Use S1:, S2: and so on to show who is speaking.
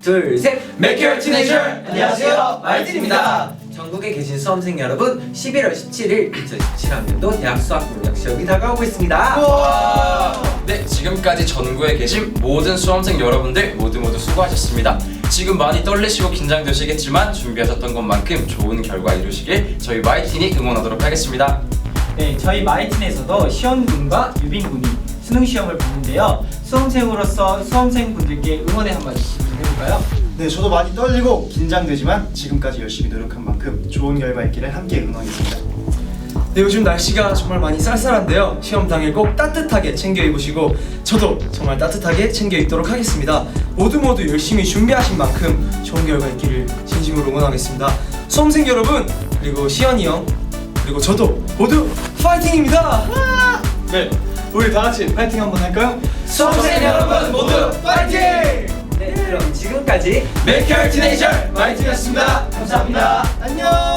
S1: 둘, 셋!
S2: Make your teenager! 안녕하세요, 마이틴입니다.
S1: 전국에 계신 수험생 여러분, 11월 17일 2017학년도 대학 수학능력 시험이 다가오고 있습니다.
S2: 네, 지금까지 전국에 계신 모든 수험생 여러분들 모두 수고하셨습니다. 지금 많이 떨리시고 긴장되시겠지만 준비하셨던 것만큼 좋은 결과 이루시길 저희 마이틴이 응원하도록 하겠습니다.
S3: 네, 저희 마이틴에서도 시연군과 유빈군이 수능 시험을 보는데요. 수험생으로서 수험생분들께 응원의 한마디씩 좀 해볼까요?
S4: 네, 저도 많이 떨리고 긴장되지만 지금까지 열심히 노력한 만큼 좋은 결과 있기를 함께 응원하겠습니다.
S5: 네, 요즘 날씨가 정말 많이 쌀쌀한데요. 시험 당일 꼭 따뜻하게 챙겨 입으시고 저도 정말 따뜻하게 챙겨 입도록 하겠습니다. 모두 열심히 준비하신 만큼 좋은 결과 있기를 진심으로 응원하겠습니다. 수험생 여러분, 그리고 시연이 형, 그리고 저도 모두 파이팅입니다. 네, 우리 다 같이 파이팅 한번 할까요?
S2: 수험생 여러분 모두 파이팅!
S1: 네, 그럼 지금까지
S2: Make your teenager 마이틴이었습니다.
S1: 감사합니다.
S4: 안녕!